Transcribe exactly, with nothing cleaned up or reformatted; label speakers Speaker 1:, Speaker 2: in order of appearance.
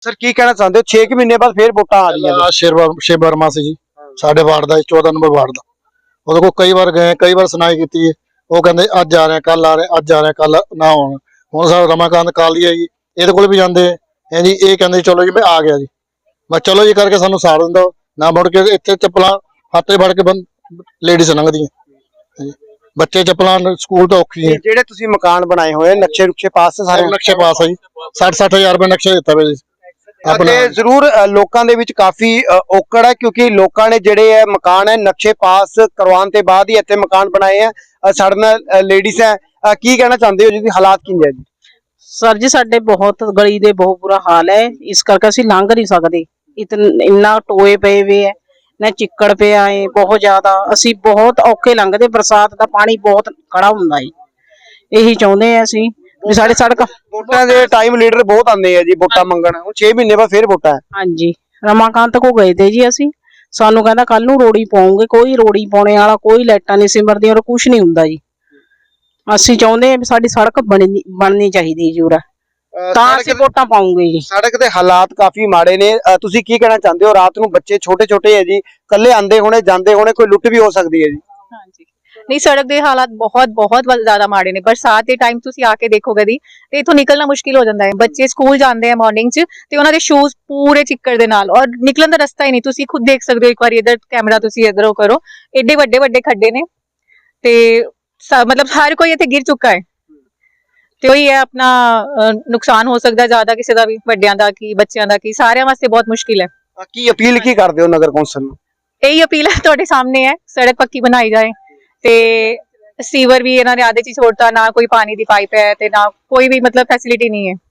Speaker 1: Sir की कहना चाहते हो छे महीने बाद फिर वोटा आ रही है
Speaker 2: शिव शिव वर्मा से जी साढ़े वार्ड का चौदह नंबर वार्ड का ਉਹਦੇ ਕੋਲ ਕਈ ਵਾਰ ਗਏ ਕਈ ਵਾਰ ਸੁਣਾਈ ਕੀਤੀ ਹੈ ਉਹ ਕਹਿੰਦੇ ਅੱਜ ਆ ਰਹੇ ਕੱਲ ਆ ਰਹੇ ਅੱਜ ਆ ਰਹੇ ਕੱਲ ਨਾ ਹੋਣ ਹੁਣ ਸਾਡਾ ਰਮਾਕਾਂਤ ਕਾਲੀ ਹੈ ਜੀ ਇਹਦੇ ਕੋਲ ਵੀ ਜਾਂਦੇ ਹੈ ਜੀ ਇਹ ਕਹਿੰਦੇ ਚਲੋ ਜੀ ਮੈਂ ਆ ਗਿਆ ਜੀ ਬਸ ਚਲੋ ਜੀ ਕਰਕੇ ਸਾਨੂੰ ਸਾੜ ਦਿੰਦਾ ਨਾ ਮੁੜ ਕੇ ਇੱਥੇ ਚੱਪਲਾਂ ਹੱਥੇ ਫੜ ਕੇ ਲੇਡੀਜ਼ ਲੰਘਦੀਆਂ ਬੱਚੇ ਚੱਪਲਾਂ ਸਕੂਲ ਤੋਂ ਔਖੀ ਹੈ
Speaker 1: ਜਿਹੜੇ ਤੁਸੀਂ ਮਕਾਨ ਬਣਾਏ ਹੋਏ ਨਕਸ਼ੇ ਰੁਕਸ਼ੇ ਪਾਸ ਸਾਰੇ
Speaker 2: ਨਕਸ਼ੇ ਪਾਸ ਹੈ ਜੀ साठ साठ हजार रुपए नक्शा दिता वे
Speaker 1: अपने जरूर लोगों दे विच काफी औकड़ है क्योंकि लोगों ने जेडे है मकान है नक्शे पास करवाने के बाद ही इत्थे मकान बनाए हैं साडे नाल लेडीज है की कहना चाहते हो जी हालात किंज है जी
Speaker 3: सर जी साडे बहुत गली दे बहुत बुरा हाल है इस करके असीं लंघ नहीं सकते इतना इन्ना टोए पे वे है ना चिक्कड़ पे आए बहुत ज्यादा असीं बहुत औखे लंघदे बरसात का पानी बहुत खड़ा हुंदा है यही चाहुंदे हैं असीं भी साडे सड़क
Speaker 1: वोटां दे टाइम लीडर बहुत आंदे हैं जी वोटां मंगण हुण छे महीने बाद फिर वोटां है
Speaker 3: हाँ जी रमाकांत को गए थे जी असीं सानू कहंदा कल नूं रोड़ी पाओगे कोई रोड़ी पाने वाला कोई लाइटां नहीं सिमरदी और कुछ नहीं हुंदा जी असीं चाहुंदे भी साडी सड़क बननी बननी चाहिदी जी उरा तां असीं वोटां पाऊंगे जी
Speaker 1: सड़क दे हालात काफी माड़े ने तुसीं की कहना चाहते हो रात नूं बच्चे छोटे छोटे है जी कल्ले आंदे होने जांदे होने कोई लुੱਟ भी हो सकदी है जी
Speaker 4: हाँ जी नहीं सड़क के हालात बहुत बहुत ज्यादा माड़े ने बरसात के टाइम तुसीं आके देखोगे दी ते इथों निकलना मुश्किल हो जाता है बच्चे स्कूल जाते हैं मॉर्निंग च ते उन्हां दे शूज पूरे चिक्कड़ दे नाल और निकलन दा रस्ता ही नहीं तुसीं खुद देख सकदे हो एक बार इधर कैमरा तुसीं इधरों करो एडे वड्डे वड्डे खड्डे ने ते मतलब हर कोई इत्थे गिर चुका है ते ओही है अपना नुकसान हो सकदा ज्यादा किसी दा भी वड्डियां दा की बच्चियां दा की सारियां वास्ते बहुत मुश्किल है
Speaker 1: की अपील की करदे हो नगर कौंसल नूं
Speaker 4: यही अपील है तुहाडे सामने है सड़क पक्की बनाई जाए ते सीवर भी इन्होंने आधे च छोड़ता ना कोई पानी दी पाइप है ते ना कोई भी मतलब फैसिलिटी नहीं है।